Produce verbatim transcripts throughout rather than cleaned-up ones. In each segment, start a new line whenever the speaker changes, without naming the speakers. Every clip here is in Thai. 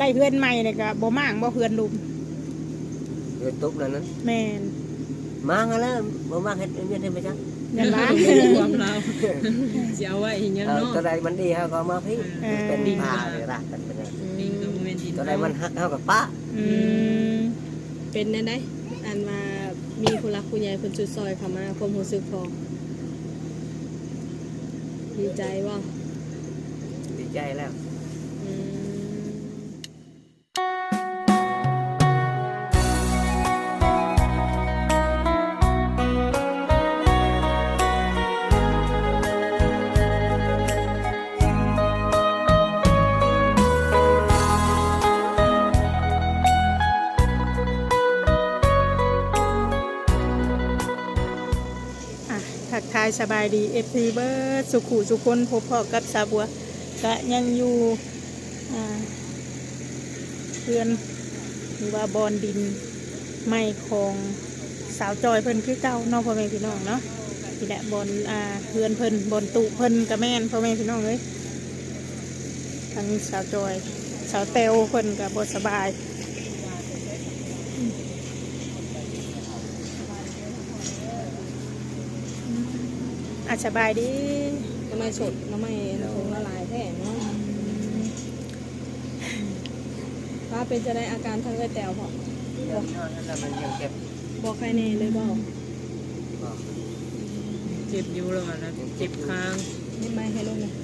ได้เพื่อนใหม่เนี่ยก็บ่มางบ่เพื่อนลุม
เพื่อนตุ๊บนั่นนั้น
แม่น
มางแล้วบ่มางเฮ็ดเวียนเฮ็ดไปจัง
ยันว่า
ความเราสิเอาไว้อีหยังเนาะ
ตัวใดมันดีเฮาก็มาพี่เป็นผ้าเลยรักกันเป็น
ดินก็บ่แม่นดิน
ตัวใดมันฮักเฮาก็ป้า
อืม
เป็นแนวใดอันว่ามีผู้รักผู้ใหญ่เพิ่นช่วยซอยเข้ามาความรู้สึกพอดีใจบ่
ดีใจแล้ว
อืม
ทักทายสบายดี เอฟ ซี เบิร์ดสุขุสุคนพบพ่อกับสาวบัวก็ยังอยู่เพื่อนหรือว่าบอนดินไม่ของสาวจอยเพิ่นคือเก่าน้องพ่อแม่พี่น้องเนาะนี่แหละบอนอ่าเพื่อนเพิ่นบอนตุเพิ่นกับแม่นพ่อแม่พี่น้องเลยทั้งสาวจอยสาวเตวเพิ่นกับบสบายอาสบายดี
น้ำไม้สดน้ำไม้คงละลายแท้เนาะว่าเป็นจะได้อาการทางเลือดแตวพอบอกบอกใครเน่เลยบอก
เจ็บอยู่แล้วนะเจ็บคาง
นี่ไม่ให้ลูกนะ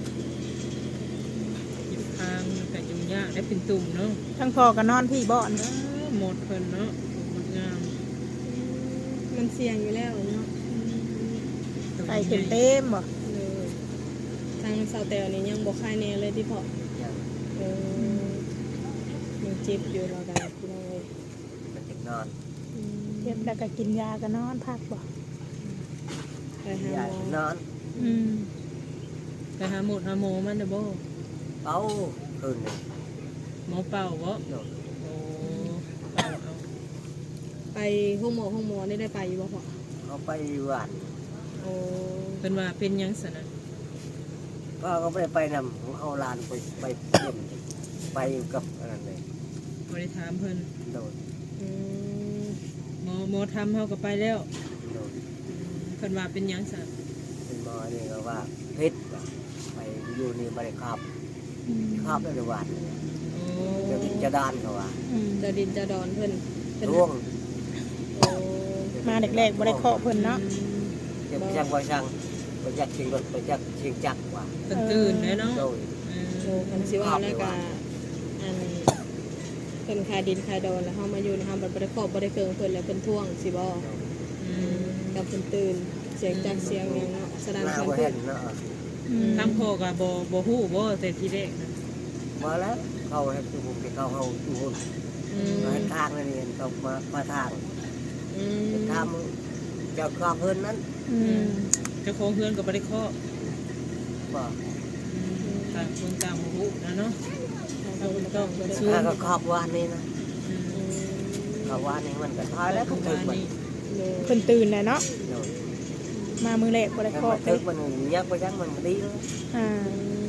เจ็บคางแต่ยุ่งยากได้เป็นตุ่มเนาะ
ทั้งพ่อกับนอนพี่บ่อน
หมดเพิ่นเนาะหมดงาม
มันเสี่ยงอยู่แล้วเนาะ
ใส่เต็มเต็มบ่
ทางสาวแตวนี่ยังบอกใครเน่เลยที่พอเออยังเจ็บอยู่เรากันพี่น้องเลย
มันเจ็บนอน
เจ็บแล้วก็กินยาก็นอนพักบ่
ไปหาหมอน
อน
อืม
ไปหาหมดหาโมมันเด้อบ่
เป่าคืนนึง
หมอเป่าบ่โอ้เป่าเอา
ไปห้องหมอห้องหมอได้ได้ไปอยู่บ่พอ
เอาไปหวาน
โอ้
เป็นว่าเป็นยังสนะ
ก็ก็ไม่ได้ไปนำเอาลานไปไปเยี่ยมไปกับอะไรเลย
บริถามเพิ่น
โดน
หมอหมอทำเขาก็ไปแล้ว
โดน
เพิ่นว่าเป็นยังสนะ
เป็นหมอนี่ก็ว่าพิษไปอยู่นี่บริคาบคาบได้หวานจะดินจะดานเขาว่า
จะดินจะดอนเพิ่น
ร่วง
มาเด็กๆบริเคาะเพิ่นเนาะ
จะไปช่างไปช่างไปจักชิงรถไปจักชิงจักว่า
เป็นตื่นเลยเนาะ
โอ้คันสิว่าแล้วก็อันเพิ่นคายดินคายดอนแล้วเฮามาอยู่เฮาบ่ได้ครอบบ่ได้เกิงเพิ่นแล้วเพิ่นท่วงสิบ่อืมกับเพิ่นตื่นเสียงจักเสียงหยังเนาะแสดงเพิ่นตื่น
เนาะ
ทั้งพ่อก็บ่บ่ฮู้บ่แต่ทีแรกนะ
มาแล้วเขาให้ตู้ผมที่เขาเฮาตู้หุ่นอืมให้ทางนั่นเองเขามามาทางอืมทำเจ้าครอบเพิ่นนั้น
อืม
เจ้าของเฮือนก็บ่ได้เคาะ
บ่
ต่างคนต่างบ่ฮู้นะเนาะ
ต้องต้องสู้ก็ครอบวานนี่นะครอบวานนี่มันก็ทายแล้วก็ตื่นมัน
เพิ่นตื่นแล้วเนาะมามือแรกบ่ได้เคาะ
ตื่นมันยักไปยักมันดีแล้ว
อ่า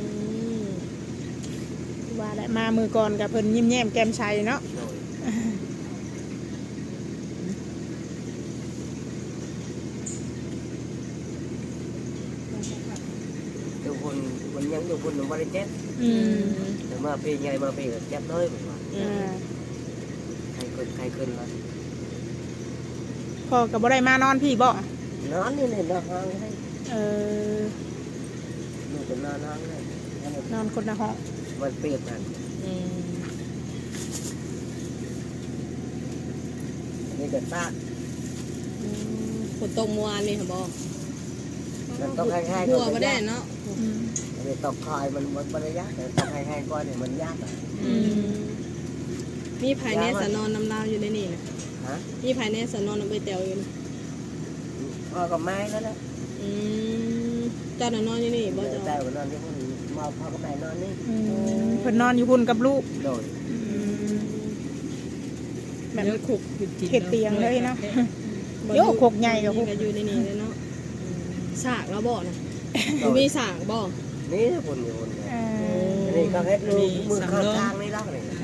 ว่าแล้วมามือก่อนก็เพิ่นยิ้มแย้มแก้มใสเนาะ
ทุกคนมันยังทุกคนมันไม่ได้เจ็บแต่มาปีไงมาปีเจ็บเลยผมว่าใครขึ้นใครขึ้นวะ
พ่อกับบ่ได้มานอนพี่บ่
นอนนี่เลยนอนห้องให้
เออ
หนูเป็นนอนห้องเลย
นอนคนละห้อง
มันเปียกกันนี่เกิดซาก
ฝนตกเมื่อวานนี่ค่ะบ่
มันต้องให้ให้
หัวไม่ได้เนาะ
มันตกคอยมันมันมันยากแต่ต้องให้ให้ก้อนเนี่ยมันยากอ่ะ
มีภายในสนอนน้ำลาวอยู่ในนี่นะมีภายในสนอนน้ำใบเตวอยู่นะ
พ่อกับไม้แล้วนะ
เจ้าหน้านอนอยู่นี่บ่
เจ้าเจ้านอนที่พุ่นมาพ่อกับแม่นอนนี่
เพิ่นนอนอยู่พุ่นกับลูก
โดย
แบบขุกเข็ดเตียงเลยเนาะโยกขกใหญ่กับพวก
อยู่ในนี่เลยเนาะสากแล้วบ่นะมีสากบ่
นี่พุ่นอยู่พุ่นนี่ก็เฮ็ดลูกมือข้างทางนี่แล้วเลย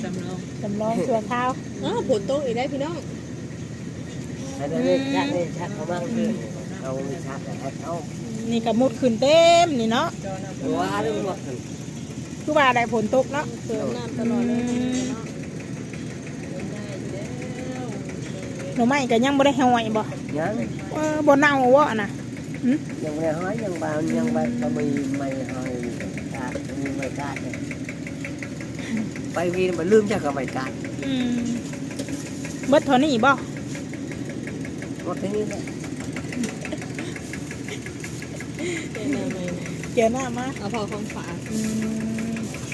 ำรอง
จำลองชั่วคราว
อ๋อฝนตกอีกได้พี่น้อง
ให้ได้เลยชักได้ชักเขาบ้างคือเอามีชักแต่ให้เขา
นี่ก็มุดขึ้นเต็มนี่เนาะ
หัวเรื่องหมดเลย
คือว่าได้ฝนตกเนาะ
เติมน้ำตลอดเลยเนาะ
หน่อไม้ก็ยังบ่ได้ห่อยบ่
ยัง
เออบ่เน่าบ่น่ะหึ
ยังไม่ห้อยยังบางยังไปก็มีไม่ห้อยกาดมีไม่กาดไปวีมันลืมจากก็ไม่กาด
อืมเบิดเท่านี้บ่
หมดที่นี่แหละ
เติมน้ำใหม่
เกี่ยวหน้ามา
เอาพอของฝาก
อืม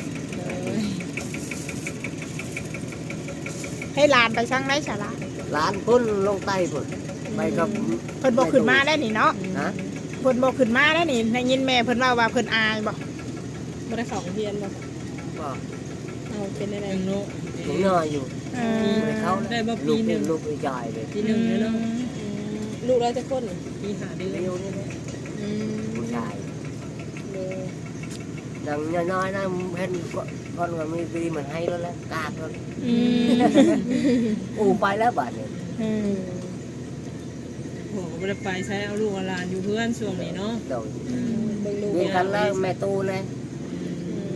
ให้หลานไปช่างได้ฉะละ
ร้านพุ่นลงใต้พุ่นไปกับ
เพิ่นบ่ขึ้นมาได้นี่เนาะ
นะ
เพิ่นบ่ขึ้นมาได้นี่ได้ยินแม่เพิ่นว่าว่าเพิ่นอายบ่
บ่ได้เข้าโรงเรียนบ่
ก็
เอาเป็นอะไร
ยังโน
ถึงนอนอยู่
เอ
ไม่เขา
ได้บ่
ลู
ปี
ก
หนึ่ง
ลูกไอ้จอยเลย
ปีหนึ่งเลยเนาะ
อืมลูกเราจะคน
ปีหาเดือน
เร็วนี่แหละ
อืม
ผู้ชาย
เลย
ดังน้อยๆนะเห็นcon cònมีปีมันให้แล้วแหละกาดแล้ว
อืม
อูไปแล้วบาดเนี่ย
อืม
โหบ่ได้ไปใช้เอาลูกเอาหลานอยู่เพื่อนช่วงนี้เนาะ
โดย
อืม
เบิ่งลูก
เรียนกันแล้วแม่ตูเลย
อืม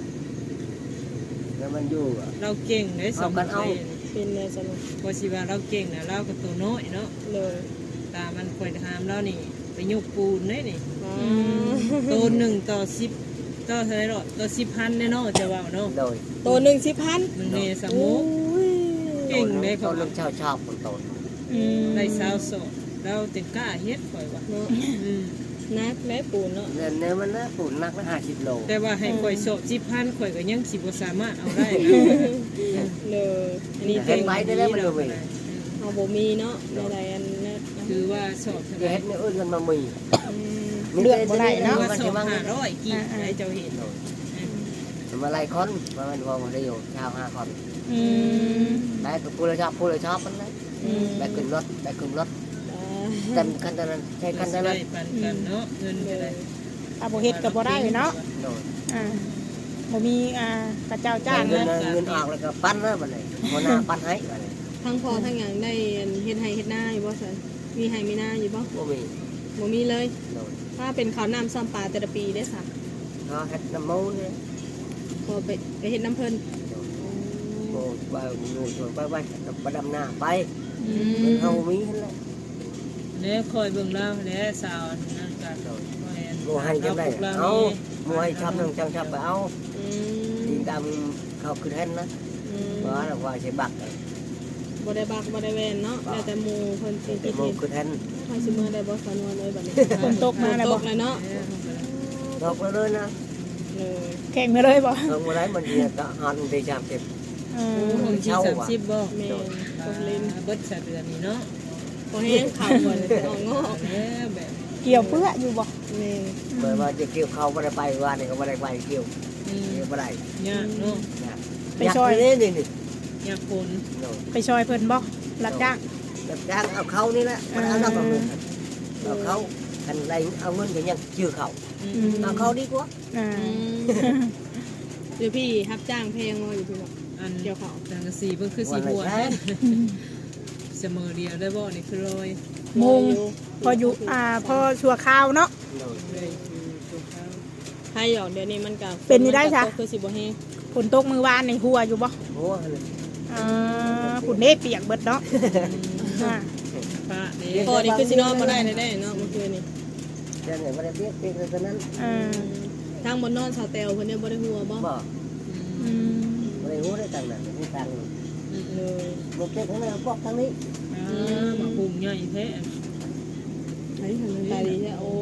แล้วมันอยู่อะ
เราเก่งได้สอง
เอากันเอา
คน
เป็นเลยสนุก
พอสิว่าเราเก่งนะเราก็ตัวน้อยเนาะ
เลย
ตามันคอยถามเรานี่ไปยุกปูนได้นี่
อ๋อ
ตัวหนึ่งต่อสิบต่อเท่าไหรหรอต่อสิบพันแน่เนาะจะว่าเนาะ
โดย
ตัวหนึ่งสิบพัน
หนึ่งเนส
โอ้
มุก
ย
เก่งเลย
เขา
เขา
ลูกชาวชอบคนโต
อืม
ได้สาวโสดเราเต็มกล้าเฮ็ดข่อยว่า
เนาะ
อืม
นักแม่ปูนเนาะ
เนี่ยเนี่ยมันนะปุ่นนักละห้าสิบโล
แต่ว่าให้ข่อยโสดสิบพันข่อยก็ยังสิบ่สามารถเอาได้นะ
เลยอันนี้
เห็นไหมได้แล้วมันดูมี
เอาบ่มีเนาะใดๆอันนั้น
คือว่าสอบเท่าไห
จะ
ร่
เห็นเนี่ยอื่นกันมามี
อืม
เลือกบ่ได้
คือ
เนาะ
ว่า
มัน
สอ
จะ
บ
มั่ง
ห้าร้อยกี่ไอ้เจ้าเห็น
มาไล่คนมามันวงเดียวชาวห้าคน
อืม
ได้ก็พูดเลยชอบพูดเลยชอบมันเลย
อืม
ได้ขึ้นรถได้ขึ้นรถ
อ่า
เต็มคันนั้นใช้คัน
ได้
นั้น
ปันกันเนาะเงินก็ได้
ถ้าบ่เฮ็ดก็บ่ได้เนาะ
โดย
อ่าบ่มีอ่ากระเจ้าจ้าง
เงิน
นะ
เงินออกแล้วก็ปั้นนะมันเลยหัวหน้าปั้นให้มันเลย
ทั้งพอทั้งหยังได้เฮ็ดให้เฮ็ดหน้าอยู่บ่ซั่นมีให้มีหน้าอยู่บ่
บ่มี
บ่มีเลย
โดย
ถ้าเป็นข้าวน้ำซ้ำปลาแต่ละปีได้สัก
เขาเฮ็ดน้ำมูนี่
พอไปไปเฮ็ดน้ำเพิ่น
โอ้ไปงูชวนไปไปไปดำหน้าไป
อื
มัน
ม
เฮามีหั่นแหละ
แล้วคอยเบิ่งแล้วแล้วสาวนั่นกัน
โมให้จังได้เอาโมให้ชอบนึงจังชอบไปเอา
อืม
ดินดำเขาคือเห็นนะ
อืม
ว่าแล้วว่าใช้บัก
บ่ได้บักบ่ได้แวนเนาะแล้วแต่หมู่เพิ่นสิ
แต่
คิด
โม
เฮ็ด
คือเห็น
ใครสิมาได้บ่สานวนเลยบัดนี้
ฝนตกมาแล้ว
ต
บ่
กเลยเนาะ
ดอกเลยนะ
เลย
แข่งมาเลยบ่
ลงมาได้มันเดียวก็หันไปจามเจ็บ
เอ
โอ้
อ
ของที่สามสิบบ่
แม่นตกลิ้น
เบิดสะเดือนนี่เนาะ
บ่แห้งข้าวบ่ได้ออกงอก
แล้วแบบ
เกี่ยวเปื้ออยู่บ่
แม่น
เมื่อว่าจะเกี่ยวเขาไม่ได้ไปว่านี่ก็ไม่ได้ไปเกี่ยว
อืม
เกี่ยวไม่ได้
ยากเนาะ
อยากนี่นี่นี่
ยากฝน
ไปซอยเพิ่นบ่รับจ้าง
แบบจ้างเอาเขานี่แหละมันเอานอกเอาเงินเอาเขาอันไรเอาเงินก็ยังชื่อเขา
อื
อื
ม
ม
เอาเขาดีกว่า
อ่า
อืมเดี๋ยวพี่รับจ้างเพลงมาอยู่พี่บอก
อัน
เดี๋ยวเขา
จังกะสีเพิ่นคือสีบัวแท้เสมอเดียวได้บ่นี่คือลอย
มุงพออยู่อ่าพอชั่วคราวเนาะ
เลยคือตัวเขา
ให้หยอกเดี๋ยวนี้มันกับ
เป็นนี่ได้จ้ะ
คือสิบ่แห้ง
ฝนตกมือวานในหัวอยู่บ่
โอ้เลย
อ่าฝุ่นเด้เปียกเบิดเนาะอ่า
พระนี่
พอนี่คือสินอนมาได้ได้ได้เนาะเมื่อคืนนี่
เดี๋ยวนี้ไม่ได้เปียกเปียกแต่นั้น
อ่า
ทางบนนอนสาวเตลเพิ่นเนี่ยบ่ได้หัวบ่
บ่
อืม
ไม่ได้รู้ได้ต่างนั้นไม่ต่าง
เลย
một cái thằng này bọc thằng đi
อ่ามาปรุงใหญ่แท้
ไอ้ทำมันตาดีใช่โอ้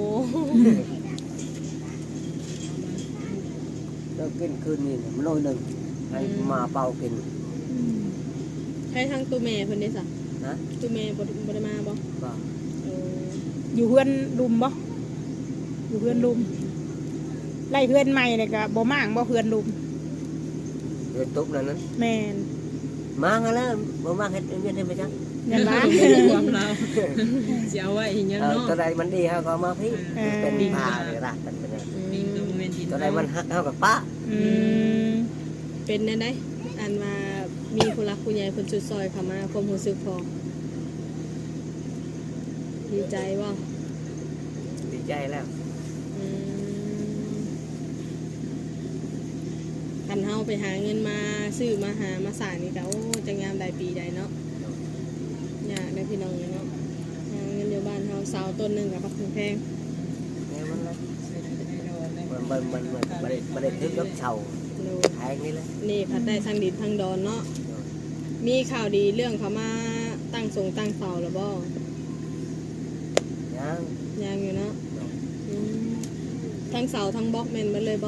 nó kinh cơn nhìn nó nôi nừng hay mà bao kinh
ให้ทางตู้แม่เพิ่นได้ซะ
hả
ตู้แม่บ่บ่ได้มาบ่
บ่
เออ
อยู่เพื่อนรุมบ่อยู่เพื่อนรุมไล่เพื่อนใหม่เลยก็บ่มางบ่เพื่อนรุม
rồi tốt là nó
แม่น
mang ra đó bố mang hết nguyên thêm phải chăng
ยันว่า
ความเราสิเอาไว้อีหยัง
ờ
เนาะ
tao đây mình đi ha có ma phí
À.
bên đi phà để ra tận bên này
นี่ก็บ่แม่นดิน
tao đây mình hắc haoกับป้า
อืม
เป็นได้ได้อันมามีผู้รักผู้ใหญ่เพิ่นสุดซอยเข้ามาความรู้สึกพอดีใจบ่
ดีใจแล้ว
อืมคันเฮาไปหาเงินมาซื้อมาหามาสร้างนี่ก็โอ้จะงามได้ปีใดเนาะยากได้พี่น้องเนาะหาเงินอยู่บ้านเฮาเสาต้นหนึงก็บักแพง
เนี่ยมันเลยมันมันมันมันมันได้มันได้ทึกกับเสา
ๆดู
แทงนี่เลย
นี่พัดได้ทางดินทางดอนเนาะมีข่าวดีเรื่องเขามาตั้งทรงตั้งเสาแล้วบ่
ยัง
ยังอยู่เนาะอืมทั้งเสาทั้งบล็อกแม่นหมดเลยบ่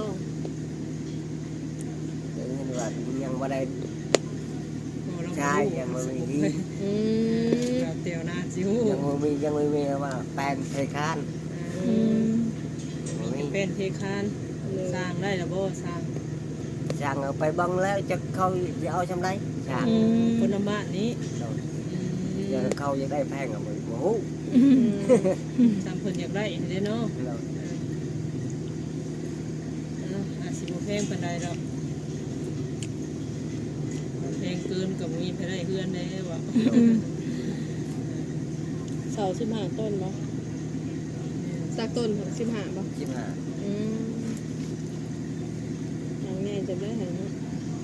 เดี๋ยวนี้ว่ายังไม่ได้
โอ้เรา
ใช่ยังไม่มีที่
อืม
เราเตียวหน้าจิ๋ว
ยังไม่มียังไม่มีว่าแปลงไทยคาน
อืม
ยังไม่มี
เป็นเทคานสร้างได้แล้วบ่สร้าง
ช่างเอาไปบังแล้วจะเขาจะเอาชำไรช่าง
อืม
คนลำบ้านนี้
จะเขาจะได้แพงกับมันโอ้โห
อืม
สามเพิ่นอยากได้เด้เนาะ
เรา
เนาะอาสิบ่แพงปานใดดอกแพงเกินก็มีไปได้เฮือนได้ว่า
อืม
เสาสิบห้าต้นบ่สักต้นครับสิบห้าบ่
ชิบหาย
อืมอย่างง่ายจะได้เห็นเนาะ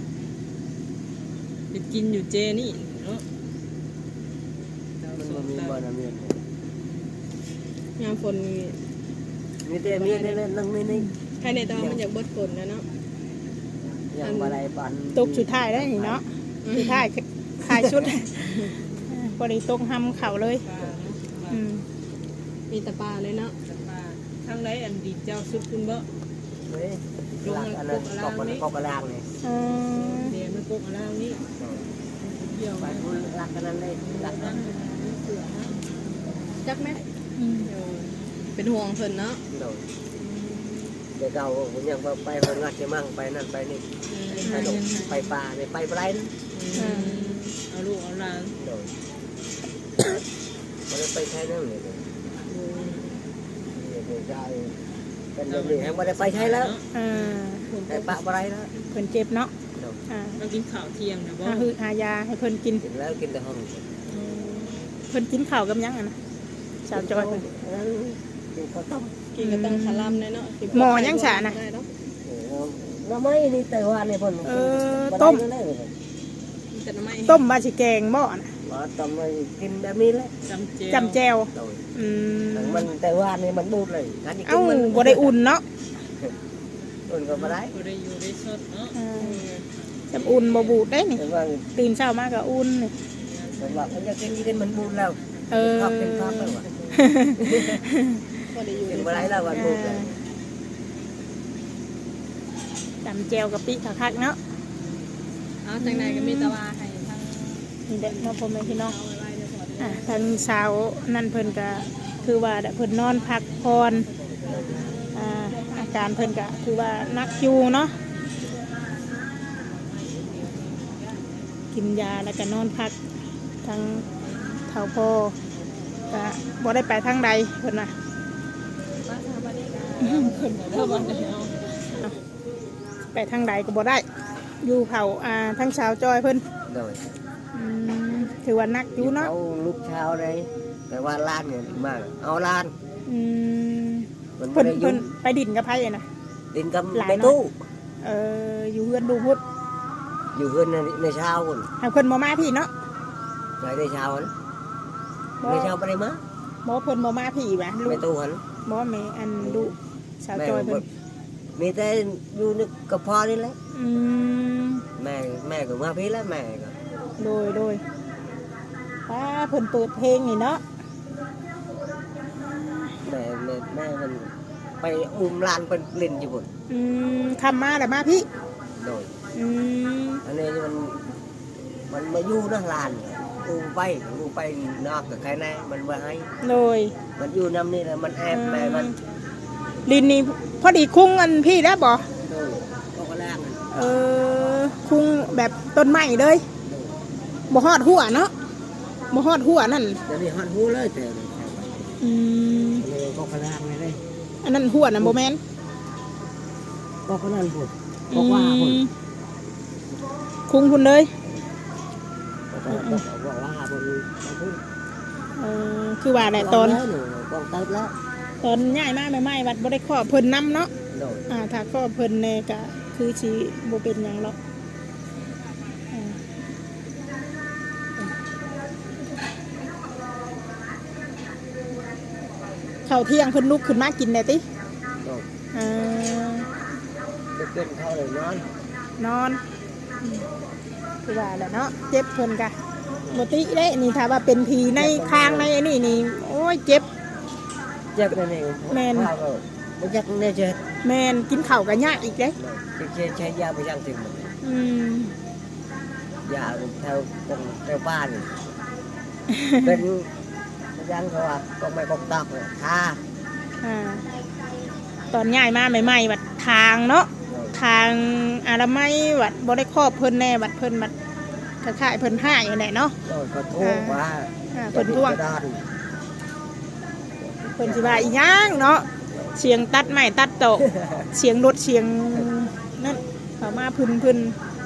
ไปกินอยู่เจนี่เนาะ
มันบ่มีบ่อน้ำเมียน
ยามฝนมี
มีแต่เมียนนี่เลยนั่งนี่นี่
ใครในตอนมันอยากเบิดฝนนะเนาะ
ยังบ่ได้ปัน
ตกสุดท้ายแล้วนี่เนาะสุดท้ายขายชุดบริตกห้ำเข่าเลย
ปลาเนาะ
อืม
มีแต่ปลาเลยเนาะ
ปลาทางใดอันดีเจ้าสุดคุณบ่
เฮ้ยหลักอันนั้นตกมันตกกระด้างนี่
อืม
เดี๋ยวมันกกอะไรนี่เกี่ยว
ไป
มา
พูดหลักอันนั้นเลยหลักนั้น
เสือนะ
จักไหม
อืม
เป็นห่วงเพิ่นเนาะ
โดนเดี๋ยวเก่าผมยังไปไปงัดจะมั่งไปนั่นไปนี่ไปดงไปป่าไปไปไรนะ
เอาลูกเอาหลาน
โดนมันไปใช้นั่นเลยเดี๋ยวจะเป็นเรื่องนี้ไม่ได้ไปใช้แล้ว
อ่า
แต่ปะอะไรแล้ว
เพิ่นเจ็บเนาะอ่า
เรากินข้าวเที่ยงนะบ่
หาหืดหายาให้เพิ่นกิน
กินแล้วกินแต่ห้อง
เพิ่นกินข้าวกับหยังอ่ะนะสาวจอยเพิ่น
กินข้าวต้ม
กินก็ต้องคาร่ำเลยเนาะ
หมอยังฉะน่ะ
ได้เนาะ
น้ำไม้นี่แต่ว่านี่เพิ่น
เออต้ม
มีแต่น้ำไม้
ต้มบาสิแกงบ่น่ะ
มาต้มมากินแบบนี้แหละ
จำเจ
จำแจว
โดน
อืม
มันแต่ว่านี่มันบูดเลยการกิน
เอ้า
มัน
บ่ได้อุ่นเนาะ
อุ่นก็ไม่ได้
บ่ได้อยู่ได้สดเนาะ
อ่าจำอุ่นบ่บูดได้นี่
แต่ว่า
ตื่นเช้ามาก็อุ่นนี่
แต่ว่ามันจะกินกินมันบูดแล้ว
เออ
ชอบเป็นชอบแล้วว่ะ
ก็ได้อยู่
กินไม่ได้แล้ววันบูดเลย
จำแจวกับปิคักๆเนาะ
เอาจังไหนก็มีแตะวาให้ทาง
นี่เด็กน้องพ่อแม่พี่น้อง
เอาไว้ๆเดี๋ยวขอ
อ่ะทางสาวนั่นเพิ่นก็คือว่าเพิ่นนอนพักผ่อนอ่าอาการเพิ่นก็คือว่านักอยู่เนาะกินยาแล้วก็นอนพักทางเท่าพ่อก็บ่ได้ไปทางใดเพิ่นว่า
บ้านสถาบันนี้ก็
เพิ่นเพิ่นว่าไปทางใดก็บ่ได้ อยู่เผาอ่าทางสาวจอยเพิ่น
โดย
อืมถือว่านักอยู่เนาะ
เอาลูกเช้าเลยแต่ว่าล้านเนี่ยมากเอาล้าน
อืม
มันไม่
เพิ่น
ได้อ
เพิ่
ยุ่
นไปดินกับไผอะนะ
ดินกับ
หลาน
ใน
เนาะ
ตู้
เอออยู่เฮือนดูพุทธ
อยู่เฮือนในในเช้าคน
ให้เพิ่นบ่มาพี่เนาะ
ใส่ในเช้าหัน
บ่
ในเช้าไม่ได้มา
บ่เพิ่นบ่มาพี่ว่ะลู
ใน
ก
ตู้หัน
บ่แม่อันลูกสาว
แม่
จอย
บ่
เพิ่น
มีแต่อยู่นึกกับพ่อนี่แหละ
อืม
แม่แม่ก็มาพี่แล้วแม่ก็
โดยโดยป้าเพิ่นเปิดเพลงนี่เนาะ
แม่แม่แม่มันไปอุ้มหลานเป็นเล่นอยู่บน
อืมคำมาแล้วมาพี่
โดย
อืม
อันนี้มันมันมาอยู่นะหลานอุ้มไปอุ้มไปนอกกับใครแน่มันมาให้
โดย
มันอยู่น้ำนี่แหละมันแอบแม่มัน
ลินนี่พอดีคุ้งอันพี่แล้วบ่
โดยก็กระล่างนั่น
เออคุ้งแบบต้นไม้เลย
โดย
บ่ฮอดหัวเนาะบ่ฮอดหัวนั่น
เดี๋ยวนี้หันหูเลยแต่
อืม
เลยก็กระล่างเลยเลย
อันนั้นหัวน่ะบ่แม่น
ก็กระนั่นพุ่นก็ว่าพุ่น
อืมคุ้งพุ่นเลย
บอกว่าบนบน
เออคือว่าแหละตอน
หนูกองเติบแล้ว
ตอนย้ายมาใหม่ๆวัดบ่ได้ขอเพิ่นนํเนาะ
โดย
อ่าถ้าขอเพิ่นแน่ก็คือสิบ่เป็นหยังหรอกอ่าข้าวเที่ยงเพิ่นลุกขึ้นมากินได้ติ
โดย
อ่า
จะกินข้าวเลยนอน
นอนอืมคือว่าแหละเนาะเจ็บเพิ่นกะบ่ติเด้นี่ถ้าว่าเป็นผีในคางในอันนี้นี่โอ้ยเจ็บ
เจ็บนั่นเองข้าวก็ไม่ยักเนี่ยเจ็บ
แม่นกินข้าวก็ยากอีกเด้
ใช้ใช้ยาไปยังถึง
อืม
ยาแถวตรงแถวบ้านเป็นยังเขาว่าก็ไม่กองตักเลยท่า
อ่าตอนย้ายมาใหม่ๆวัดทางเนาะทางอนามัยวัดบ่ได้ครอบเพิ่นแน่วัดเพิ่นวัดคล้ายๆเพิ่นให้นั่นแหละเนาะ
โดยก็ทุกว่า
อ่าเพิ่นท่วง
ด้าน
เพิ่นสิว่าอีหยังเนาะเสียงตัดไม้ตัดโตะ เสียงรถเสียงนั่นเข้ามาพึ่นพึ่น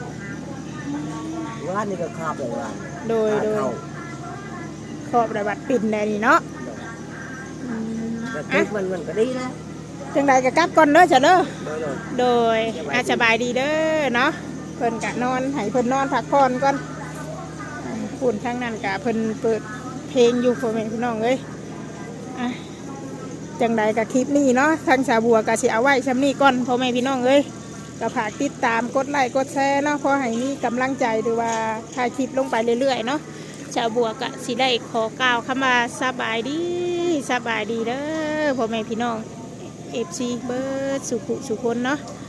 ว่านี่ก็คาบเลยว่า
โดยโดยครอบระบัดปิ่นแน่นี่เนาะอืม
แต่
อ่ะ
ทุกมันมันก็ดีนะ
จังใดก็กลับก่อนเด้อจ้ะเด้อ
โดยโดย
โดยอาสบายดีเด้อเนาะเพิ่นกะนอนให้เพิ่นนอนพักผ่อนก่อนอ่าฝุ่นทั้งนั้นกะเพิ่นเปิดเพลงอยู่พ่อแม่พี่น้องเอ้ยอ่ะจังใดกะคลิปนี้เนาะทางสาวบัวกะสิเอาไว้ซ้ำนี้ก่อนพ่อแม่พี่น้องเอ้ยก็ฝากติดตามกดไลค์กดแชร์เนาะพอให้มีกำลังใจหรือว่าถ่ายคลิปลงไปเรื่อยๆเนาะสาวบัวกะสิได้ขอกล่าวคำว่าสบายดีสบายดีเด้อพ่อแม่พี่น้องเอฟซีเบิร์ดสุขุสุคนเนาะ